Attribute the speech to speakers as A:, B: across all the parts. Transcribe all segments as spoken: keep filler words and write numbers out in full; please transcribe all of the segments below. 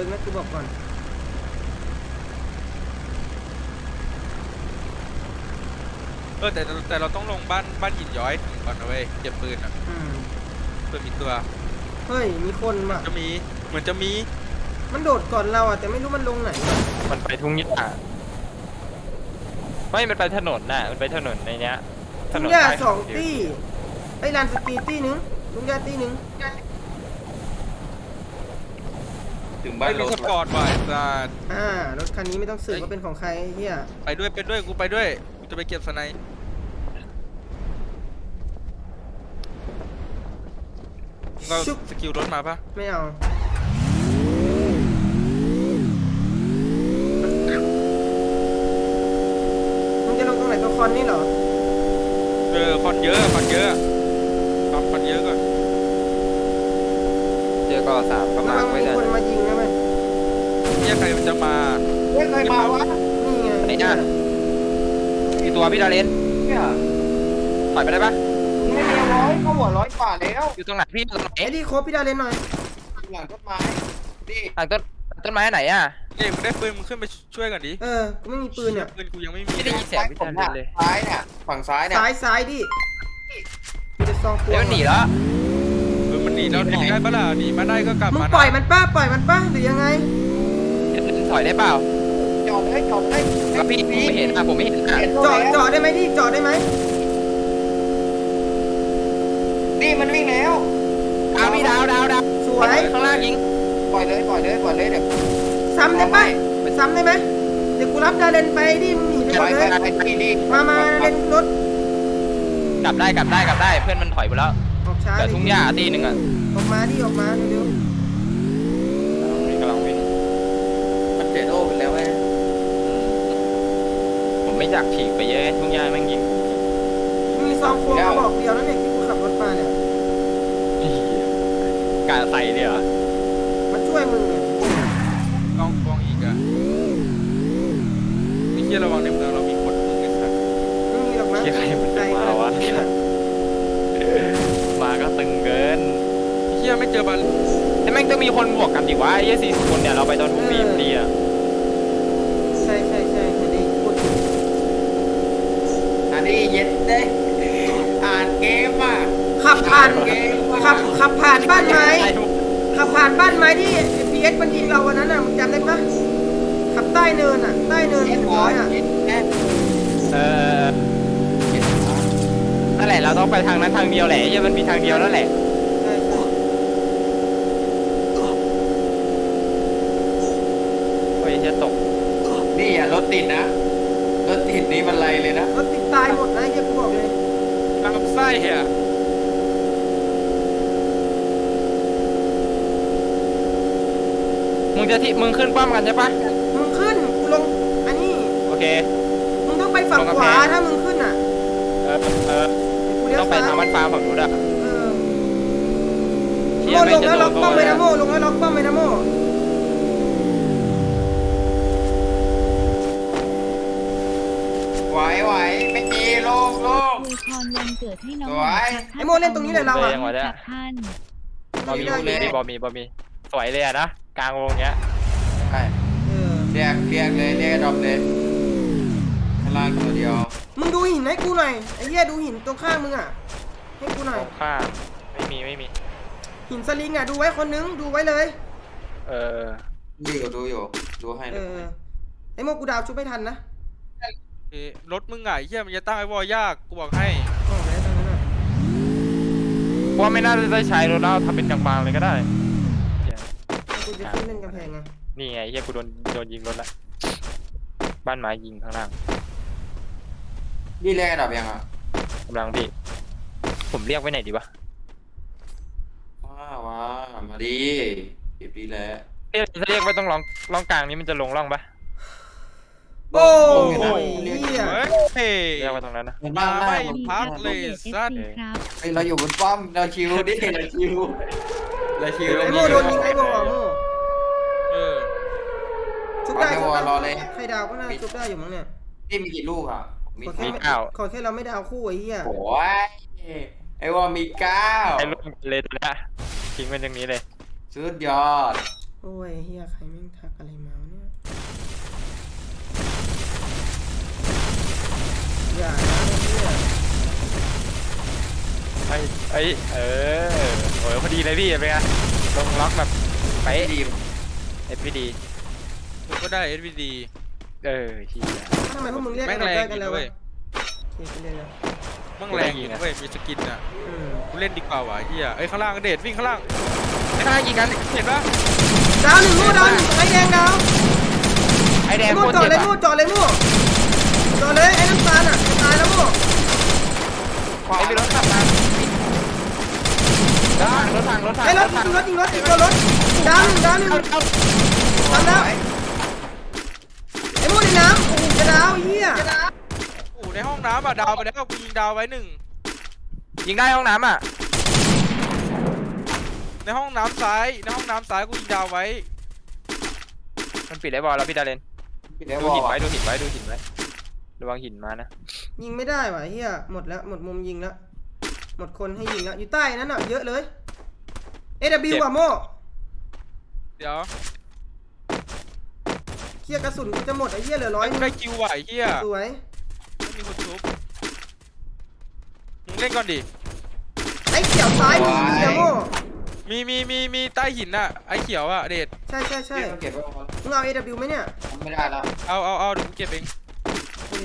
A: นะกูบอกก่อน
B: เออแต่แต่เราต้องลงบ้านบ้านหินย้อยถึงก่อนนะเว้ยเก็บปืนอ่ะเพื่อมีตัว
A: เฮ้ยมีคนว่ะ
B: จะมีเหมือนจะมี
A: มันโดดก่อนเราอ่ะแต่ไม่รู้มันลงไหน
C: มันไปทุ่งหญ้าไม่มันไปถนนน่ะมันไปถนนในเนี้ย
A: ทุ่งหญ้าสองตี้ไอ้ลานสกีตี้หนึ่งทุ่งหญ้าตี้หนึ่ง
B: ถึงบ้านรถสปอร์ตบ่อยจ้า
A: อ่ารถคันนี้ไม่ต้องสืบว่าเป็นของใครเฮีย
B: ไปด้วยไปด้วยกูไปด้วยกูจะไปเก็บสไนป์เราสกิลรถมาปะ
A: ไม่เอามึงจะลงตรงไหนตรงคอนนี่เหรอ
B: เออคอนเยอะคอนเยอะครับคอนเยอะก่อน
C: เจอก็สามก็มาไม่ได้
A: คนมายิงนะไหม
B: เนี่ยใครมันจะมา
A: เฮ้ยใครมาวะนี่ไง
C: ไอ้น่ากี่ตัวพี่ดาเลน
A: เนี่ย
C: ถอยไปได้ปะ
A: ไม่มีร้อยเขาหัวร้อยกว่าแล้ว
C: อยู่ตรงไหนพี่ตรงไหน
A: ไอ้ดิโคบพี่ดาเลนหน่อย
D: หลังต้นไม้ดิ
C: หลังต้นต้นไม้ไหนอ่ะ
B: เด็กมึงได้ปืนมึงขึ้นไปช่วยกันดิ
A: เออกูไม่มีปืนเนี่ย
B: ปืนกูยังไม่มี
C: ไม่ได้ยินเสียงพี่ดาเลนเลย
D: ซ้ายเนี่ยฝั่งซ้ายเนี่ย
A: ซ้ายซ้ายดิกูจะซอง
C: เดี๋ยวหนีแล้ว
B: เออมันหนีแล้วหนีได้ปะล่ะหนีมาได้ก็กลับ
A: มึง
B: มา
A: ปล่อยมันป้าปล่อยมันป้าหรือยังไง
C: ถอยได้เปล่า
D: จอดให้จอดให้
C: แล้วพี่ผมไม่เห็นอ่ะผมไม่เห็นอ่ะ
A: จอดจอดได้ไหมดิจอดได้ไหม
D: นี่มันวิ่งแล้ว
C: ดาวพี่ดาวดาวดาว
A: สวย
C: ข้างล่างยิง
D: ปล่อยเลยปล่อยเลยปล่อยเลยเดี๋ยว
A: ซ้ำได้ปะไปซ้ำได้ไหมเดี๋ยวกูรับดาเลนไปดิมึงหนีไปก่อนเลยมามาเลนรถ
C: กลับได้กลับได้กลับได้เพื่อนมันถอยไปแล้ว
A: ออกช้า
C: แต่ทุ่งหญ้าตีหนึ่งอ่ะ
A: ออกมาดิออกมาเร็ว
C: กำลังวิ่ง
D: มันเสียโล่ไปแล้วไง
C: ผมไม่อยากฉีกไปเยอะทุ่งหญ้าแม่งยิง
A: มีซองควงมาบอกเดียวนั่นเองที่กูขับรถมาเนี่ย
C: กาใส่เลยเหรอ
A: มาช่วยมึงเนี่ย
B: ลองฟองอีกอ่ะนี่เชี่ยระวังในเมืองเรามีคนมึงไอ้สัส
A: ไม่มีหรอกนะ
C: เชี่ยใครมันจะมาวะมาก็ตึงเกิน
B: เชี่ยไม่เจอบอล
C: แต่แม่งต้องมีคนบวกกันดิวะไอ้สี่สิบคนเนี่ยเราไปตอนทุ่งบีดีอ่ะ
A: ใช่ใช่ใช่อันนี้พูด
D: อันนี้เย็นเด้อ่านเกมอ่ะ
A: ขับผ่านขับขับผ่านบ้านไม้ขับผ่านบ้านไม้ที่พีเอสมันยิงเราวันนั้นอ่ะมึงจำได้ปะขับใต้เนินอ่ะใต้เนินเรียบร้อยอ่ะ
C: เออนั่นแหละเราต้องไปทางนั้นทางเดียวแหละยังมันมีทางเดียวแล้วแหละ
A: ใช่ใช่
C: เฮ้ยจะตก
D: นี่อ่ะรถติดนะรถติดนี่มันไรเลยนะ
A: รถติดตายหมดนะเฮียกูบอกเลย
B: ตามไส้เหี้ย
C: มึงจะที่มึงขึ้นป้อมกันใช่ปะ
A: มึงขึ้นกูลงอันนี้
C: โอเค
A: มึงต้องไปฝั่งขวาถ้ามึงขึ้นอ่ะ
C: เออเออต้องไปทางบ้านฟ้าฝั่งนู้นอ่ะ
A: โม่ลงแล้วล็อกป้อมไปนะโม่ลงแล้วล็อกป้อมไปนะโม่
D: ไหวไหวไม่มีโลกโลก
E: อวยพรวันเกิดให้น้อง
A: ไอโม่เล่นตรงนี้เลยเราอ่ะ
E: ท่าน
C: บอมีบอมีบอมีสวยเลยอ่ะนะกลางวงเงี้ย
D: ใช่เรียกเรียกเลยเรียกดรอปเลยพลังตัวเดียว
A: มึงดูหินให้กูหน่อยไอ้เหี้ยดูหินตรงข้างมึงอ่ะให้กูหน่อย
C: ข้างไม่มีไม่มี
A: หินสลิงอ่ะดูไว้คนนึงดูไว้เลย
C: เออ
D: ดูอยู่ดูอยู่ดูให้
A: เออไอ้โมกูดาวชุบไม่ทันนะ
B: รถมึงไงเฮียมันจะตั้งไอ้วอลยากกูบอกให้
A: อ๋อแม้ตอนนั้นอ่ะ
C: ว่าไม่น่าจะได้ใช้รถแล้วทำเป็นกลางๆเลยก็ได้
A: กูจะขึ้นเล่นกำแพงไง
C: นี่ไงเฮียกูโดนโดนยิงรถละบ้านไม้ยิงข้างล่าง
D: นี่แรกดับยังอ่ะ
C: กำลังพี่ผมเรียกไว้ไหนดีวะ
D: ว้าว้ามาดีเก็บดีแล้ว
C: เรียกเรียกไว้ต้องร้องร้องกลางนี้มันจะลงร่องปะ
A: โอ้ยเฮีย
C: เรียกไว้ตรงนั้นนะ
B: มาไม่พักเลยสัตว์
D: ไอเราอยู่บนป้อมเราชิวดิเราชิวเราชิว
A: ไอโม่โดนยิงไอโม่โม่
B: เออ
A: ชุบได้ชุบได้ใครดาวก็น่าชุบได้อยู่มั้งเนี่ย
D: นี่มีกี่ลูกอ่ะ
C: มีเก้า
A: ขอแค่เราไม่ดาวคู่ไอ้เหี้ย
D: โอ้ยไอ้ว่ามีเก้า
C: ไอ้ลูกเลยตัวนี้ทิ้งมันอย่างนี้เลย
D: สุดยอด
A: โอ้ยเฮียใครแม่งทักอะไรมาวะเนี่ยอย่านะเฮีย
C: ไอ้ไอ้เออโอ้ยพอดีเลยพี่เป็นไงลงล็อกแบบไป
D: ดี
C: เอฟพีดี
B: กูก็ได้ เอส วี ดี
C: เออเฮีย
A: ทำไมพวกมึงเรียก
B: แม่
A: กั
B: ง
A: น
B: แร
A: ได้
B: ง
A: กั
B: อน ยู่
A: แล้ว
B: เว้
A: วะ
B: ย
A: โอเคไปเรียนแล้ว
B: แม่งแรงอยู่เว้ยมีสกินอ่ะ
A: อืม
B: กูเล่นดีกว่าวะเฮียเอ้ยข้างล่างเดชวิ่งข้างล่าง
C: ไอ้ข้างล่างยิงกัน
B: เห็นปะ
A: ดาวหนึ่งมู่ดาวหนึ่งไอ้แดงดาว
C: ไอ้แดง
A: ไอ้
C: โค
A: มู่
C: ตร
A: จอด
C: เจ็บ
A: เลยมู่
C: อะ
A: จอดเลยมู่จอดเลยไอ้น้ำตาลอ่ะจะตายแล้วมู่
C: ไอ้มีรถขับมาทางรถทางรถทาง
A: ไอ้ร
C: ร
A: ถ
C: ถทาง
A: ยิงรถยิงรถยิงรถดาวหนึ่งดาวหนึ่ง
C: เอาเอา
A: ทำแล้วไอ้มู่ในน้ำโอ้โหจะดาวเฮีย
B: โอ้ในห้องน้ำอ่ะดาวไปแล้วกูยิงดาวไว้หนึ่ง
C: ยิงได้ห้องน้ำอ่ะ
B: ในห้องน้ำซ้ายในห้องน้ำซ้ายกูยิงดาวไว้
C: มันปิดไอ้บอลแล้วพี่ดาเลน
D: พี่เดี๋ยว
C: ดู
D: บอ
C: หิ
D: ก
C: นไว้ดูหินไว้ดูหินไว้ระวังหินมานะ
A: ยิงไม่ได้ว่ะเฮียหมดแล้วหมดมุมยิงแล้วหมดคนให้ยิงแล้วอยู่ใต้นั้นอ่ะเยอะเลย เอ ดับเบิลยู อ่ะโม่
B: เดี๋ยว
A: เฮียกระสุนกูจะหมดไอ้เฮียเหลือร้อย
B: กูได้คิวไหวเฮีย
A: สวย
B: ไม่มีคนชุบมึงเล่นก่อนดิ
A: ไอ้เขียวซ้ายมีมีอะโม่
B: มีมีมีมีใต้หินอ่ะไอ้เขียวอ่ะเดช
A: ใช่ใช่ใช่
D: เก็บไว้ก่อน
A: มึงเอา เอ ดับเบิลยู ไหมเนี่ย
D: ไม่ได้แล้ว
B: เอาเอาเอาเดี๋ยวกูเก็บเอง
A: นี่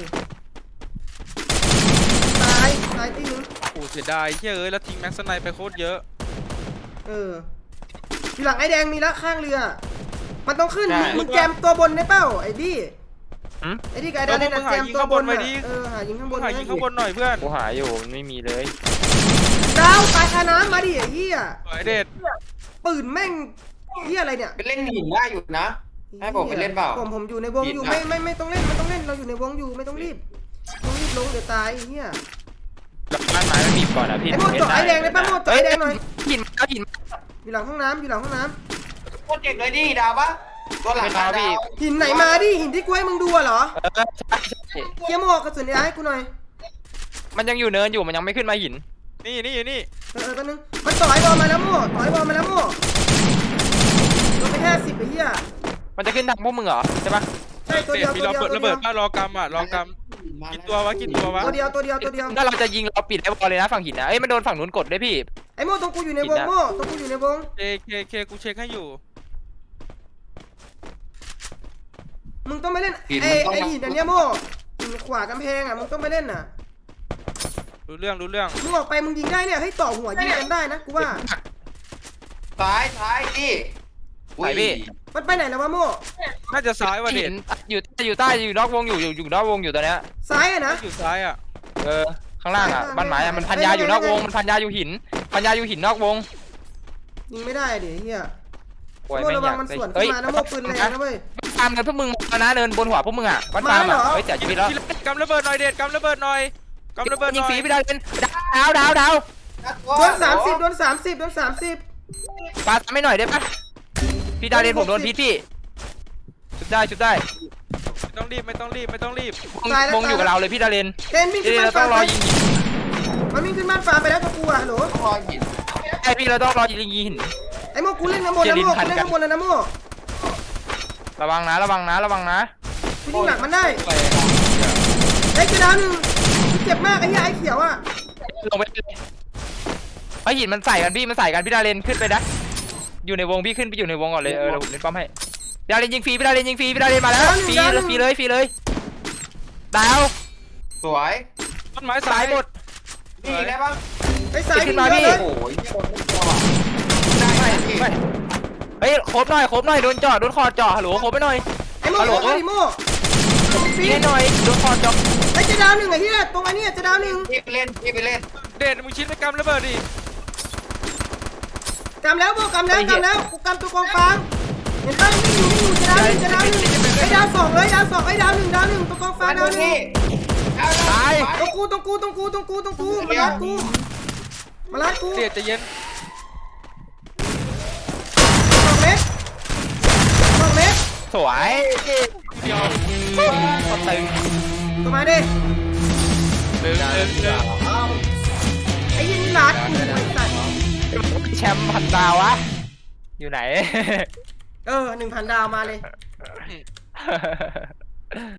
A: ตายตายที่นึง
B: โอ้เสียดายเฮียเอ้ยแล้วทิ้งแม็กซ์ไนไปโคตรเยอะ
A: เอออยู่หลังไอ้แดงมีละข้างเรือ มันต้องขึ้นมึงมึงแจมตัวบนได้เปล่าไอ้ดิ
C: หืม
A: ไอ้ดิกับไอ้ดาเนี่ยนะแจมตัวบนน่ะเออหายิงข้างบ
B: มึ
A: น
B: งหายิงข้างบนหน่อยเพื่อน
C: กูหาอยู่มันไม่มีเลย
A: ดาวตายคาน้ำมาดิไอ้เหี้ย
B: สวยเดช
A: ปืนแม่งเหี้ยอะไรเนี่ย
D: ไปเล่นหินได้อยู่นะ ให้ผมไปเล่นเปล่า
A: ผมผมอยู่ในวงอยู่
D: ผิดนะ
A: ไม่ไม่ไม่ต้องเล่นไม่ต้องเล่นเราอยู่ในวงอยู่ไม่ต้องรีบต้องรีบลงเดี๋ยวตายไอ้เหี้ย
C: แล้วบ้านไม้มันบีบก่อนอ่ะพี่
A: ไอ้โม่จ่อไอ้แดงได้ปะโม่จ่อไอ้แดงหน่อย
C: หินเอาหิน
A: อยู่หลังห้องน้ำอยู่หลังห้องน้
D: โคตรเจ็บเลยดิดาวปะตัวหลังดาว
A: ำหินไหนมาดิหินที่กูให้มึงดูอะเหรอ
C: เออใช่ใช่
A: เคียโม่กระสุนยาให้กูหน่อย
C: มันยังอยู่เนินอยู่มันยังไม่ขึ้นมาหิน
B: นี่นี่นี่
A: เออเออแป๊บนึงมันต่อยบอลมาแล้วโม่ต่อยบอลมาแล้วโม่โดนไปห้าสิบไอ้เหี้ย
C: มันจะขึ้นทางพวกมึงเหรอใช่ปะ
A: ใช่ตัว
B: เด
A: เดีย
B: ช
A: ว
B: มี
A: ตัว
B: ระ
A: เดียว
B: เบิด
A: ตัว
B: ระ
A: เดี
B: เบิ
A: ย
B: ด
A: ว
B: ป้ารอกำอ่ะรอกำกินตัววะกินตัววะ
A: ตัวเดียวตัวเดียวตัวเดียว
C: ถ้าเราจะยิงเราปิดไอ้บอลเลยนะฝั่งหินนะเอ้ยมันโดนฝั่งนู้นกดด้วยพี่
A: ไอ้โม่ตรงกูอยู่ในวงโม่ตรงกูอยู่ในวง
B: เคเคเคกูเช็คให้อยู่
A: มึงต้องไปเล่นไอ้ไอ้หินอันเนี้ยโม่หินขวากำแพงอ่ะมึงต้องไปเล่นน่ะ
B: รู้เรื่องรู้เรื่อง
A: มึงออกไปมึงยิงได้เนี่ยให้ต่อหัวยิงกันได้นะกูว่า
D: ซ้ายซ้ายดิ
C: ไหนพี่
A: มันไปไหนแล้ววะโม่
B: น่าจะซ้ายว่ะเด
C: หิ
B: ช
C: นอยู่อยู่ใต้อยู่นอกวงอยู่อยู่อยู่นอกวงอยู่ตอนเนี้ย
A: ซ้ายอะนะ
B: อยู่ซ้ายอ่ะ
C: เออข้างล่างอ่ะบ้านไม้อ่ะมันพันยาอยู่นอกวงมันพันยาอยู่หินพันยาอยู่หินนอกวง
A: ยิงไม่ได้ดิเฮีย
C: โอ้ย
A: โม่
C: ไม่
A: ระ
C: อ
A: วั
C: ยาง ก
A: มันสวน
C: เฮ้
A: ขึ้
C: ย
A: นมานะโม่ปืนแรงนะเว้ย
C: ฟาร์มกันพวกมึงมานะเนินบนหัวพวกมึงอ่ะบ้านฟาร์มอ่ะ
A: มาเหรอ
C: เฮ้ยเสียชีวิตแล้ว
B: กำระเบิดหน่อยเดชกำระเบิดหน่อยกำระเบิดห
C: ยิง
B: น่อ
C: ฟรี
B: ย
C: พี่ดาวเล่นดาวดาวดาว
A: โดนสามสิบโดนสามสิบโดนสามสิบ
C: ปาทำให้หน่อยได้ปะพี่ดาวเล่นผมโดนพิษพี่ชุบได้ชุบได้
B: ไม่ต้องรีบไม่ต้องรีบไม่ต้องรีบ
C: วงอยู่กับเราเลยพี่ดาวเล่น
A: เต้นวิ่งขึ้น
C: เดี๋ยว
A: บ้าน
C: เราต้
A: ฟ้า
C: องร
A: ไป
C: อยิง
A: มันวิ่งขึ้นบ้านฟ้าไปแล้วตัวกูอะฮัลโหล
D: ต้องรอหิน
C: ไอพี่เราต้องรอยิงหิน
A: ไอ้โม่กูเล่นน้ำมนต์นะโม่กูเล่นน้ำมนต์แล้วนะโม่
C: ระวังนะระวังนะระวังนะ
A: กูยิงหนักมันได้
B: ไป
A: ไอ้กระดาวหนึ่งเจ็บมากไอ้เหี้ยไอ้เขียวอะ
C: ลงไปเลยไอหินมันใส่กันพี่มันใส่กันพี่ดาวเล่นขึ้นไปนะอยู่ในวงพี่ขึ้นไปอยู่ในวงก่อนเลยเออเราผมเล่นป้อมให้พี่ดาวเล่นยิงฟรีพี่ดาวเล่นยิงฟรีพี่ดาวเล่นมาแล้วฟรีฟรีเลยฟรีเลยดาว
D: สวย
B: ต้นไม้
C: สา
B: ซ้าย ย
C: หมด
D: นี่ได้ปะ
A: ไอ้สาย
C: ขึ้
A: วิ่ง
C: นมา
A: เย
C: พี่
A: อะเลย
D: โอ้ยโดนไม่พอว่ะได้
C: ไม่
D: ดิ
C: ไม่เฮ้ยครบหน่อยครบหน่อยโดนจ่อโดนคอจ่อฮัลโหลครบไปหน่อย
A: ไอ้โม่
C: ฮัลโหล
A: ไอ้โม่ฟรี
C: ยิงให้หน่อยโดนคอจ่อ
A: ไอ้จะดาวหนึ่งไอ้เหี้ยตรงไอ้นี่จะดาวหนึ่ง
D: พี่ไปเล่นพี่ไปเล่น
B: เดชมึงชิดไปกำระเบิดดิ
A: กำแล้วโม่กำแล้วกำแล้วกูกำตัวกองฟางเห็นป่ะวิ่งอยู่วิ่งอยู่จะดาวหนึ่งจะดาวหนึ่งไอ้ดาวสองเลยดาวสองไอ้ดาวหนึ่งดาวหนึ่งตัวกองฟางดาวหนึ่ง
C: ตาย
A: ตรงกูตรงกูตรงกูตรงกูตรงกูมาลัดกูมาลัดกู
B: เดชใจะเย็น
A: สองเมตรสองเมตร
C: สวย
B: เดียว
C: คนตึง
A: ตัวมาดิ
B: เดินเดินเดิน
A: ไอ้ยินลัดกูไอ้สัตว์
C: แชมป์พันดาววะอยู่ไหน
A: เออหนึ่งพันดาวมาเลย